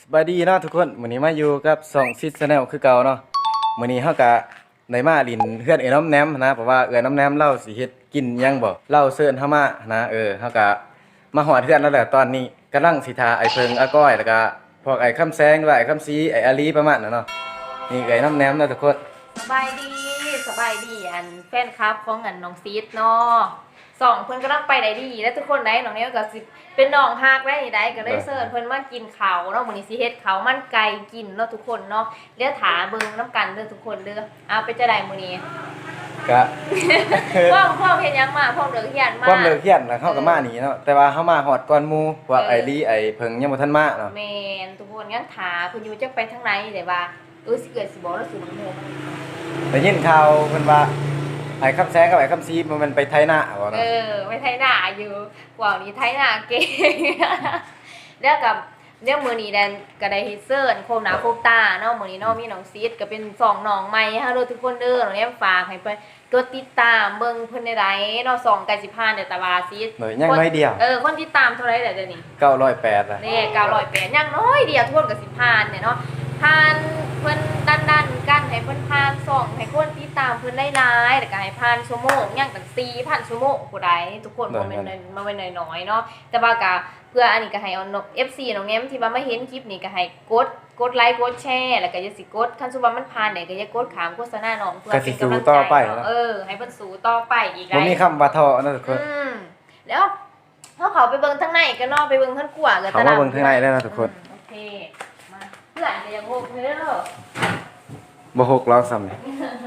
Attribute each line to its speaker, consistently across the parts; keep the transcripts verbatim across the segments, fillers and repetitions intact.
Speaker 1: สบายดีเนาะทุกคนมื้อนี้มาอยู่กับสองซิสแนลคือเก่าเนาะมื้อนี้เฮาก็ได้มาลินเฮือนเอื้อน้ำแหนมนะเพราะว่าเอื้อน้ำแหนมเราสิเฮ็ดกินหยังบ่เราเชิญเฮามานะเออเฮาก็มาฮอดเฮือนแล้วแหละตอนนี้กำลังสิทาไอ้เพิงอาก้อยแล้วก็พวกไอ้คำแสงด้วยไอ้คำซีไอ้อาลีประมาณนั้นเนาะนี่ไอ้น้ำแหนมเนาะทุกคน
Speaker 2: สบายดีสบายดีอันแฟนคลับของอันน้องซีดเนาะสองเพิ่นกำลังไปได้ดีแล้วทุกคนได้น้องเนี้ยก็สิเป็นน้องฮักได้ได้ก็ได้เสิร์ชเพิ่นมากินข้าวเนาะมื้อนี้สิเฮ็ดข้าวมันไก่กินเนาะทุกคนเนาะเดี๋ยวถาเบิ่งน้ำกันเด้อทุกคนเด้อเอาไปจะได้มื้อนี้
Speaker 1: ก็
Speaker 2: พ่อพ่อเฮ็ดหยังมาพ่อเลิกเรียนมา
Speaker 1: ความเลิกเรียนน่ะเฮาก็มานี่เนาะแต่ว่าเฮามาฮอดก่อนหมู่ว่าไอ้ลีไอ้เพิงยังบ่ทันมาเนาะ
Speaker 2: แม่นทุกคนงั้นถาเพิ่นอยู่จักไปทางไหนได้ว่าเออสิเกิดสิบอกแล้วสิมันโห
Speaker 1: ได้ยินข่าวเพิ่นว่าไอ้คำแสงกับไอ้คำซีมันไปไทยนาบ่เนาะ
Speaker 2: เออไปไทยนาอยู่กว่านี้ไทยนาเก่งแล้วกับเดี๋ยวมื้อนี้แดนก็ได้เฮ็ดเซิร์นโคมหน้าโคมตาเนาะมื้อนี้เนาะมีน้องซีดก็เป็นสองน้องใหม่ฮะเด้อทุกคนเด้อน้องแอมฝากให้เพิ่นกดติดตามเบิ่งเพิ่นได้ๆเนาะสองใกล้สิผ่านเด้อตาบาซีด
Speaker 1: หน่อยยังน้อยเดียว
Speaker 2: เออคนติดตามเท่าไหร่แล้วเดี๋ยวนี้
Speaker 1: เก้าร้อยแปดอ่ะ
Speaker 2: นี่เก้าร้อยแปดยังน้อยเดียวทวนก็สิผ่านเนี่ยเนาะผ่านเพิ่นดันๆกันให้เพิ่นผ่านสองให้คนติดตามเพิ่นหลายๆแล้วก็ให้ผ่านชั่วโมงยังตั้ง สี่พัน ชั่วโมงผู้ใดทุกคนบ่แม่นบ่แม่นน้อยๆเนาะแต่ว่าก็เพื่ออันนี้ก็ให้เอา เอฟ ซี น้องแง้มที่ว่ามาเห็นคลิปนี้ก็ให้กดกดไลค์กดแชร์แล้วก็อย่าสิกดคันสมมุติว่ามันผ่านได้ก็อย่ากดขามโฆษณาน้องเพื่อเป็นกำลังใจเออให้เพิ่นสู้ต่อไปอีกหลาย
Speaker 1: บ่มีคำว่าท้อนะทุกคน
Speaker 2: อืมแล้วเฮาเข้าไปเบิ่งทางในกันเนาะไปเบิ่งทางกว่ากัน
Speaker 1: ตลาดเขามาเบิ่งทางในได้นะทุกคน
Speaker 2: โอเคมาเพื่อนก็ยังโหกเด้อ
Speaker 1: บ่หกล้อซ้ำนี่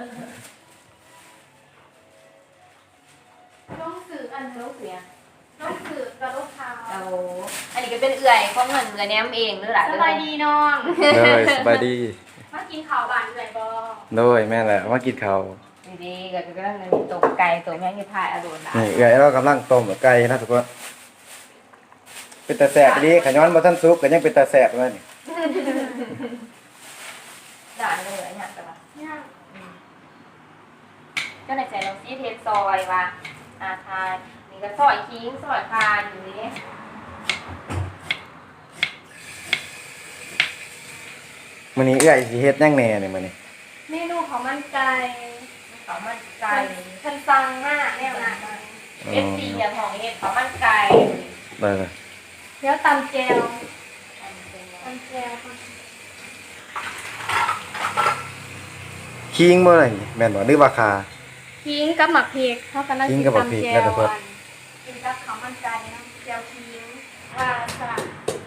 Speaker 2: น้องสื่ออันน้องเสียน้องสื่อกระโดดเท้าเอาอันนี้ก็เป็นเอื่อยของเงินเงินแนมเองเด้อล่ะ
Speaker 3: สบายดีน้อง
Speaker 1: เด้อสบายดี
Speaker 3: มากินข้าวบ้านเอื่อยบ่
Speaker 1: โดยแม่แหละมากินข้าว
Speaker 2: ดีๆก็กำลังตกไก่ตกแม่งอยู่พายอโดนล่ะ
Speaker 1: นี่เอื้อยเรากำลังต้มไก่นะทุกคนเป็นตาแซ่บดีขย้อนบ่ทันสุกก็ยังเป็นตาแซ่บเลยนี่
Speaker 2: ด่านเลยเนี่ยแต่ว่าเจ้าไหนใจเราซีเทสซอยว่าอาทานนี่ก็ซอยคิงซอยคานอยู่นี่
Speaker 1: มื้อนี้เอื้อยสิเฮ็ดหยังแหน่นี่มื้อนี้
Speaker 3: เมนูของมันไก่
Speaker 2: ของมันไก่
Speaker 3: ทันสั่งมากแนวนั้น
Speaker 2: เอฟซีอย่างของเฮ็ดของมันไก่
Speaker 1: เด้อ
Speaker 3: เดี๋ยวตำแจวตำแจว
Speaker 1: คิงบ่ได้แม่นบ่หรือว่าคา
Speaker 3: ขิงกับหมักพริกเฮากันนั่งกินตำแจวกินกับข้าวมันไก่น้ำแจวขิงว่าซะ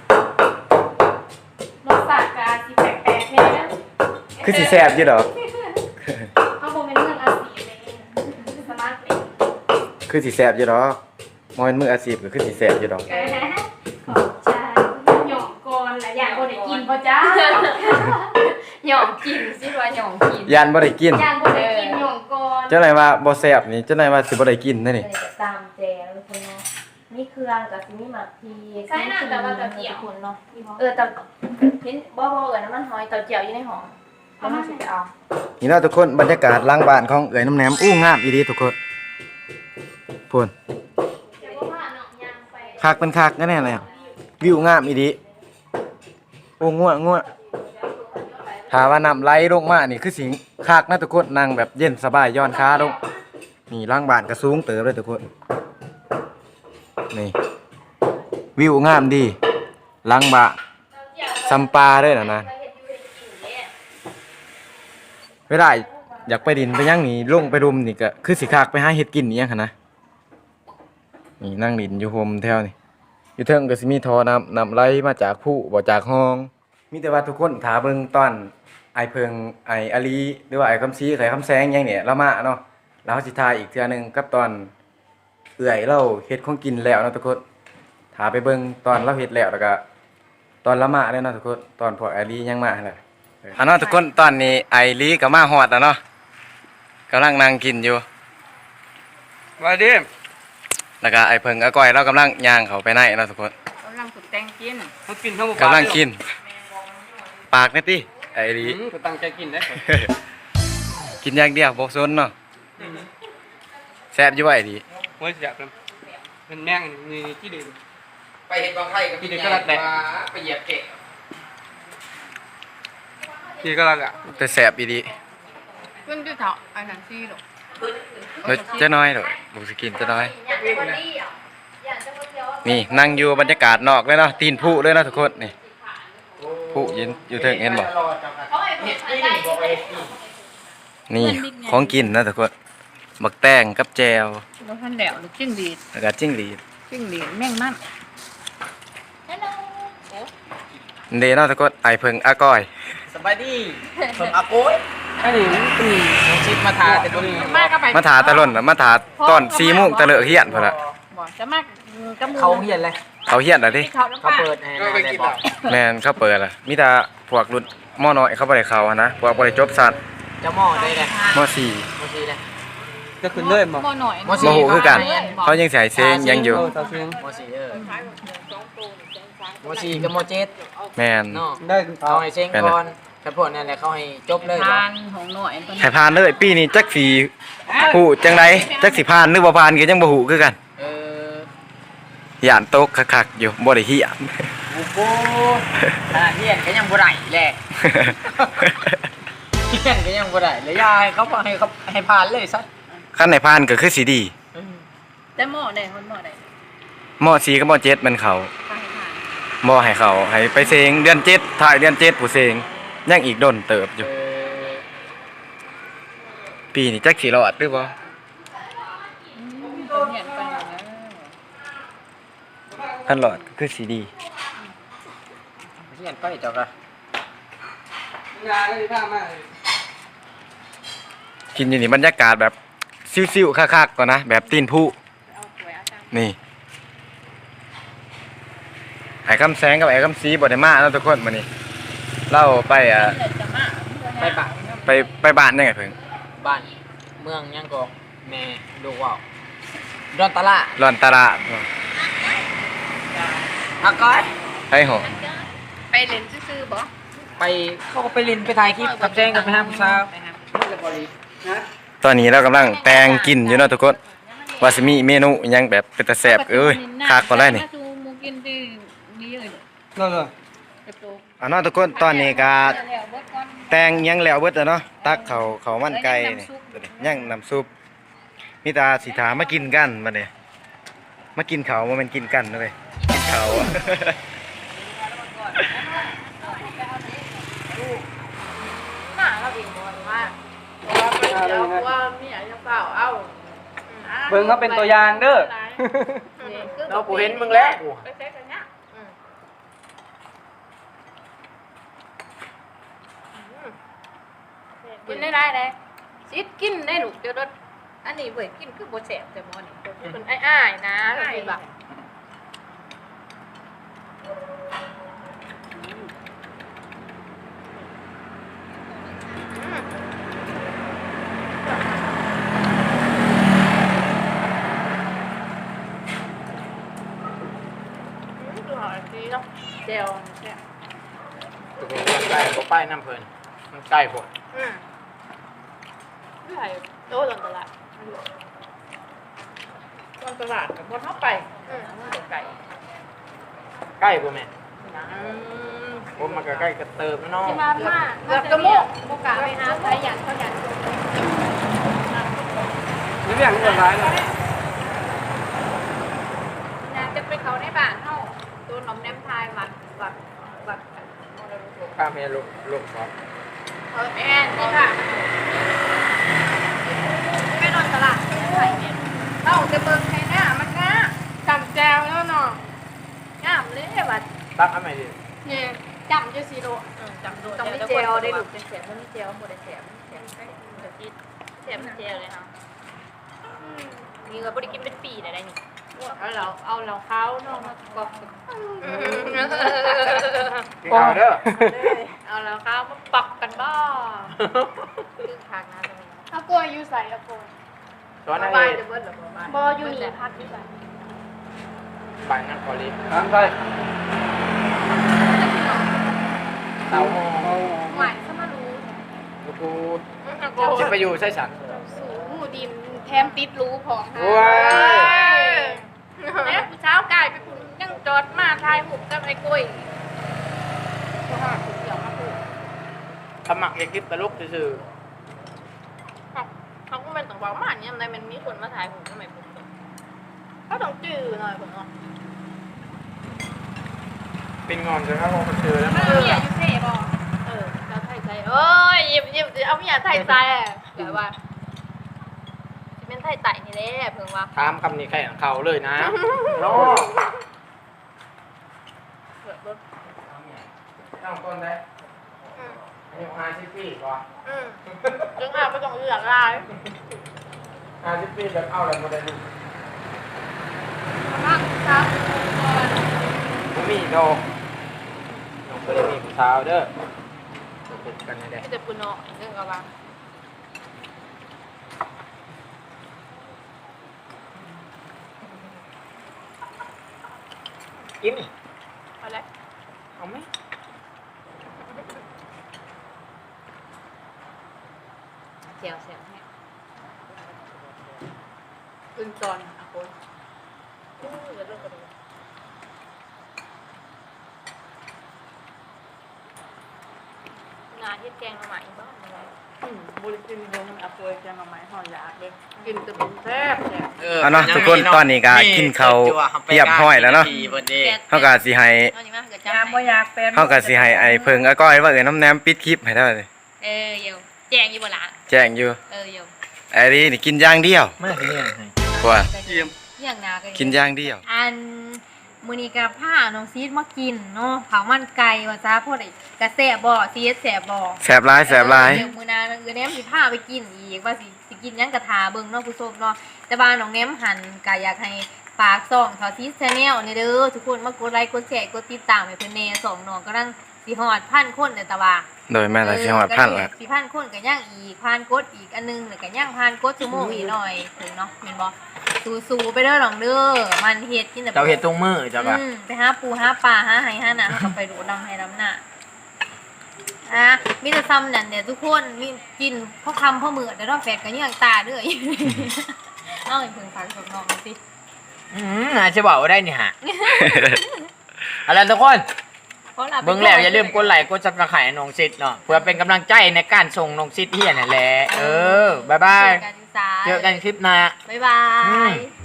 Speaker 3: รสชาติก็สิแปลกๆแน่นะ
Speaker 1: คือสิแซ่บอยู่ดอก
Speaker 3: เฮาบ่แม่นเมืองอาชีพเลยสมาร์ทเป็น
Speaker 1: คือสิแซ่บอยู่ดอกบ่แม่นมืออาชีพก็คือสิแซ่บอยู่ดอก
Speaker 3: ขอบใจหยองก่อนและอยากบ่ได้กินบ่จ้า
Speaker 2: หยองกินสิว่าหยองกิน
Speaker 1: ยานบ่ได้กิน
Speaker 3: อยากบ่ได้กินหยองก่อน
Speaker 1: จังได๋ว่าบ่แซ่บนี่จังได๋ว่าสิบ่ได้กินนั่นนี่
Speaker 2: ตามแจวทุกคนเนาะมีเครื่องกับสิมีหมักพี
Speaker 3: ใช่น่ะแต่ว่าตะเกียบ
Speaker 2: คนเนาะเออตะเห็นบ่บ่เอิ้นน้ำมันหอยเตาเจียวอยู่ในหอเอามาสิไปเอา
Speaker 1: นี่เนาะทุกคนบรรยากาศหลังบ้านของเอื้อยน้ำแหนมอู้งามอีหลีทุกคนพุ่นคักเป็นคักแน่ๆเลยวิวงามอีหลีโอ้ง่วงง่วงถ้าว่าน้ำไหลลงมานี่คือสิคักนะทุกคนนั่งแบบเย็นสบายย้อนขาลงนี่หลังบ้านก็สูงเติบเลยทุกคนนี่วิวงามดีหลังบ้านซัมปาเด้อน่ะนะเวลาอยากไปดินไปย่างนี่ลงไปรุมนี่ก็คือสิคักไปหาเฮ็ดกินนี่ยังหั่นนะนี่นั่งดินอยู่โฮมแถวนี่อยู่เทิงก็สิมีท่อน้ำน้ำไหลมาจากผู้บ่จากห้องมีแต่ว่าทุกคนถ้าเบิ่งตอนไอเพิงไออาลีหรือว่าไอคำซีไอคำแสงยังเนี่ยเรามาเนาะแล้วสิถ่ายอีกเทื่อนึงกับตอนเอื้อยเราเฮ็ดของกินแล้วเนาะทุกคนถ้าไปเบิ่งตอนเราเฮ็ดแล้วแล้วก็ตอนละมาเลยเนาะทุกคนตอนพวกไอลียังมาหั่นแหละอันเนาะทุกคนตอนนี้ไอลีก็มาฮอดแล้วเนาะกำลังนั่งกินอยู่ว่าดิแล้วก็ไอเพิงอาก้อยเรากำลังย่างเขาไปไหนเนาะทุกคน
Speaker 2: กำลังฝึกแต่งกิน
Speaker 4: เขากินทั้งหมด
Speaker 1: กำลังกินปากนี่ติไอลี
Speaker 4: ก็ตั้งใจกินได้
Speaker 1: กินอย่างเดียวบ่สนเนาะแซ่บอยู่ว่าไอ้ดี
Speaker 4: ว่าจะเป็นเป็นแม่งนี่ที่เดิม
Speaker 5: ไปเห็นบางไทยกับ
Speaker 4: ที่เดิมก็รัดแหละ
Speaker 5: ไปเหยียบเกะ
Speaker 4: พี่ก็รักอ่ะ
Speaker 1: แต่แสบอีดี
Speaker 3: ขึ้นด้วยเถาอันนั้นซี่หรอก
Speaker 1: เฮ้ยจะน้อยหรอกบุกสกินจะน้อย
Speaker 2: อยากจะคนดีอ่ะอยากจะคนเดียว
Speaker 1: นี่นั่งอยู่บรรยากาศนอกเลยเนาะตีนผู้เลยเนาะทุกคนนี่ผู้ยืนอยู่เทิงเห็นบ่
Speaker 2: เขาให้ผมได้
Speaker 1: นี่ของกินนะทุกคนบักแตงกับแจว
Speaker 3: แล้วท่านแหลวลูกจิ้งดีด
Speaker 1: แล้วก็จิ้งหรีด
Speaker 3: จิ้งดีดแม่งมัน
Speaker 2: ฮัลโหล
Speaker 1: เดเนาะทุกคนไอเพิงอาก้อย
Speaker 5: สบายดีผมอาโก้ย
Speaker 4: อันนี้มันเป็น
Speaker 5: น้องชิดมาทาแต่ตัวนี้
Speaker 3: มากก็ไป
Speaker 1: มาถาตะล่นน่ะมาถาตอนสี่โมงตะเลอะเฮียนพุ่นน่ะ
Speaker 3: บ่จะมากกระมู
Speaker 5: เขาเหียนเลย
Speaker 1: เขาเฮียนอ่ะดิ
Speaker 3: เขาน้ำ
Speaker 5: เขา
Speaker 3: ปลา
Speaker 5: เปิดให้
Speaker 4: ก็ไปกิน
Speaker 5: บอ
Speaker 4: อ่ะ
Speaker 5: ก
Speaker 1: แม่นเขาเปิดล่ะมีแต่พวกรุ่นมอน้อยเขาบ่ได้เข้าอะนะพวกบ่ได้จบสัตว์
Speaker 5: จะหม้อได้เลย
Speaker 1: มอสี่
Speaker 5: มอซีเลย
Speaker 4: จะขึ้นเลยมั้ง
Speaker 3: บ่หน่อย
Speaker 5: มอสี่
Speaker 1: บ่ฮู้คือกันเขายังใส่เซงยังอยู่
Speaker 4: เออสาวเชียง
Speaker 5: มอซีเออมอซีกับมอเจ็ด
Speaker 1: แม่น
Speaker 5: เนาะ
Speaker 4: ได้
Speaker 5: เอาให้เซ็งก่อนแต่พวกนั้นแหละเขาให้จบเลย
Speaker 3: ทานของหน่อยเป็น
Speaker 1: ให้ผ่านเลยปีนี้จักสิฮู้จังไดจักสิผ่านหรือบ่ผ่านก็ยังบ่ฮู้คือกัน
Speaker 5: เออย่
Speaker 1: านตกคักๆอยู่บ่ได้เฮียน
Speaker 5: โอ้โหขนาดเหียนก็ยังบ่ได้แหละเหียนก็ยังบ่ได้เลยยายเขาบอกให้เขาให้ผ่านเลยซะ
Speaker 1: คันไหนผ่านก็คือสิดี
Speaker 3: แต่หม้อได้คนหม้อได้
Speaker 1: มอสี่กับมอเจ็ดมันเขา
Speaker 3: ทานทาน
Speaker 1: บ่ให้เขาให้ไปเซงเดือนเจ็ดถ่ายเดือนเจ็ดผู้เซงยังอีกดนเติบอยู่
Speaker 5: เออ
Speaker 1: ปีนี้จักสิรอดหรือบ่
Speaker 3: เห็นไปแล้ว
Speaker 1: คันรอดก็คือสิดี
Speaker 5: เหียนไปเจ้าก็
Speaker 4: งานก็ดีท่ามาก
Speaker 1: กินอยู่นี่บรรยากาศแบบซิ่วๆคักๆก่อนนะแบบตีนผู้
Speaker 3: เอาสวยเอาจัง
Speaker 1: นี่ไอ้คำแสงกับไอ้คำสีบ่ได้มาแล้วทุกคนมื้อนี้เราไปอ่ะ
Speaker 3: เดี๋ยวจะมา
Speaker 5: ไปบ้าน
Speaker 1: ไปไปบ้านยังไงเพิ่ง
Speaker 5: บ้านเมืองยังก็แม่ดูว่าวดอนตะละ
Speaker 1: ร้อนตลาด
Speaker 5: อาก้อย
Speaker 1: ให้หอ
Speaker 3: ไปเล่นซื่อๆบ่
Speaker 5: ไปเขาก็ไปเลินไปถ่ายคลิปกับแจ้งกับไปห้าผู้สาว
Speaker 3: ไปหา
Speaker 1: ตอนนี้เรากำลังแต่งกินอยู่เนาะทุกคนว่าสิมีเมนูอิหยังแบบเป็นตาแซ่บเอ้ยคักกว่าได้นี่
Speaker 3: จูมูกินดีดีเลย
Speaker 4: นั่นเลย
Speaker 3: กระโตก
Speaker 1: อ่ะเนาะทุกคนตอนนี้ก็
Speaker 3: แล้วเบิดก่อน
Speaker 1: แต่งอิหยังแล้วเบิดแล้วเนาะตักเขาเขามันไก่นี่ตัวนี้ย่างน้ำซุปมีตาสิถามากินกันบัดนี้มากินเขาวบ่แม่นกินกันเด้อเว้ยกินเขาวอะ
Speaker 2: หมาเราเองบอกว่า
Speaker 3: ว่ามีอะไรจะเปล่าเอ้า
Speaker 4: เบิ่งเขาเป็นตัวอย่างเด้อ
Speaker 5: เราปูเห็นมึงแล้ว
Speaker 3: ไปเซ็กกันเนี่ย
Speaker 2: กินได้ได้เลยซิดกินได้หนูเดี๋ยวรถอันนี้เว้ยกินคือโบแสบแต่หมอนี่เป็นอ้ายๆนะคือแบบคือหอมดีเนาะเจลเนี่ย
Speaker 5: ใกล้ก็ไปน้ำเพลินมันใกล้ผม
Speaker 2: อืมไม่ไหวโตตอนตลาด
Speaker 3: ตอนตลาดกับพอเข้าไป
Speaker 2: อืม
Speaker 3: ไก่
Speaker 5: ใกล้ผมแม่
Speaker 2: อืม
Speaker 5: ผมมันก็ใกล้กระเติมแล้วเนาะ
Speaker 2: ที่มาม่า
Speaker 3: เกือบกระโมก
Speaker 2: โมกะไปหาใครอยากเขาอยาก
Speaker 4: นี่เรื่องที่ร้ายเลย
Speaker 2: อยากจะไปเขาในบ้านเฮาตัวน้องแนมทายวัดวัดวัด
Speaker 5: ข้าเมียลูกลูกครับ
Speaker 2: เออแอนนี่ค่ะไปนอนตลาดไปไหนเนี่ยเอ้าจะเบิ่งให้หน้ามันงา
Speaker 3: จำแจวแล้วเนาะ
Speaker 2: งามเลยวัด
Speaker 5: ตักทำไมดิ
Speaker 3: เนี่ยจำจะสีโล
Speaker 2: จำดูต้องมีเจลได้ลูกเป็นเสียงมันมีเจลหมดเลยเสียงเสียงเดี๋ยวคิดเสียงเจลเลยค่ะนี่ก็บ่ได้กินเป็นปีได้ได้นี่
Speaker 3: เอาเราเอาเราเขาเนาะมากอก
Speaker 5: กินข้าวเด้อ
Speaker 2: เอาแล้วครับมาปักกันบ้าคือทางนั้นเลย
Speaker 3: เอากล้วยอยู่ใส่เอากล้วย
Speaker 5: ตอนนั้น
Speaker 2: บ้า
Speaker 5: เอน ง
Speaker 2: จะเบิดหรือบ่บ้าน
Speaker 3: บออยู่นี่พักอยู่ใส่
Speaker 5: บ้านนั่งคอลิฟ
Speaker 4: น้ำใส่
Speaker 5: เต้าหู้
Speaker 2: หวานเข้ามารู้
Speaker 5: กูกูจะไปอยู่ใช่สัน
Speaker 3: สูงดินแถมติดรูของค่ะ
Speaker 5: โอ้ย
Speaker 2: เนี่ยผู้เช้ากายไปคุณยังจอดมาทายหุบกับไอ้กล้วย
Speaker 3: เพราะว่าเกี่ยวมาพูด
Speaker 5: สมัครเอกคลิปตลกซื่อ
Speaker 2: เขาก็เป็นต้องบอกมาเนี่ยมันมีคนมาถ่ายผมทำไมผมเขาต้องจื้อหน่อยผมเนาะ
Speaker 5: ๆเป็นงอนจนเขาคงเจอแล้ว
Speaker 3: เออเนี่ยยูเซ่บอก
Speaker 2: เออแล้วไทยใจเอ้ยหยิบหยิบเอาไม่อยากไทยใจอ่ะแบบว่าจะเป็นไทยไต่นี่แหละเพิ่งว่า
Speaker 5: ถามคำนี้ใครของเขาเลยนะโน่
Speaker 2: เปิดรถ
Speaker 5: ต้องต้นได้
Speaker 2: อืม
Speaker 5: อายุห้าสิบปีก่อน
Speaker 2: อืมจึงอาไปต้องเลือกลาย
Speaker 5: ห้าสิบปีแบบเอาอะไรมาได้ลูก
Speaker 3: นั่งครับก่อน
Speaker 5: ผมมีโดน้องเคยมีผู้สาวเด้อฝึกกันได้
Speaker 2: ไม่จะปุ่นเนาะเรื่องกับว่า
Speaker 5: กิน
Speaker 2: อะไร
Speaker 5: เอาไหม
Speaker 2: เสียวเสียวให้อึนจอนอ่ะคนอู้เดี๋ยวเรื่องกันเลยงานที่แกงมาใหม่บ้างอะไร
Speaker 6: บริจินลงอาป่วยจะมาไม้หอยยากเลยกินแต่เป็นแซ่บแซ่บ
Speaker 1: เอาเนาะทุกคนตอนนี้ก็กินข้าวเรียบร้อยแล้วเนาะ เฮาก็สิให้
Speaker 2: เอานี่มาเกิด
Speaker 6: ยา
Speaker 2: จำ
Speaker 6: บ่
Speaker 2: ให้
Speaker 6: อยากเป็น
Speaker 1: เฮาก็สิให้ไอ้เพิ่งอาก้อยว่าเอ้ยน้ำแหนมปิดคลิปให้ได้เลย
Speaker 2: เออเยวแจงอยู่บ่ล่ะ
Speaker 1: แจ้งอยู่
Speaker 2: เออเยว
Speaker 1: ไอ้นี่นี่กินอย่างเดียว
Speaker 5: ไม่ได้เนี่ยให้
Speaker 1: กว่า
Speaker 2: เยี่ยมอย่างนากัน
Speaker 1: กินอย่างเดียว
Speaker 2: อันมื้อนี้ก็พาน้องซีดมากินเนาะเผามันไก่ว่าจ้าพวกไอ้กระแสบ่ซีดแสบบ่
Speaker 1: แสบหลายแสบหลาย
Speaker 2: เดี๋ยวมื้อหน้าเออแนมสิพาไปกินอีกว่าสิสิกินหยังกะทาเบิ่งเนาะผู้ชมเนาะแต่ว่าน้องแนมหันก็อยากให้ฝากส่องเขาที่ Channel นี่เด้อทุกคนมากดไลค์กดแชร์กดติดตามให้เพิ่นแน่สองน้องกำลังสิฮอดพันคนเลยแต่ว่า
Speaker 1: โดยแม่นละสิฮอดพันละ
Speaker 2: สิพันคนก็ย่างอีกพันกดอีกอันนึงแล้วก็ย่างพันกดชั่วโมงอีกหน่อยถึงเนาะแม่นบ่สู้ๆไปเด้อน้องเด้อมันเฮ็ดกินแต่
Speaker 5: เจ้าเห็ดตรงมือเจ้าก็
Speaker 2: อืมไปหาปูหาปลาหาไหหาหนาเขาก็ไปดูดำให้ดำหน้าอ่ะมีแต่ซ้ำนั่นเนี่ยทุกคนมีกินพ่อคำพ่อมือเดี๋ยวเราแฟดกันยังตาเด้อ เอาไอ้เพิ่งฟังสมน้องสิ
Speaker 5: อืมอาจจะบอกว่าได้นี่ฮะ เอาล่ะไรทุกคน
Speaker 2: เพราะรา
Speaker 5: เบิ่งแล้วอย่าลืมกดไลค์กดซับสไครต์ให้น้องซิดเนาะเพื่อเป็นกำลังใจในการส่งน้องซิดเฮียนั่นแหละเออบ๊ายบาย
Speaker 2: เจอกันจ้า
Speaker 5: เจอกันคลิปหน้า
Speaker 2: บ๊ายบา
Speaker 5: อื
Speaker 2: ย
Speaker 5: ม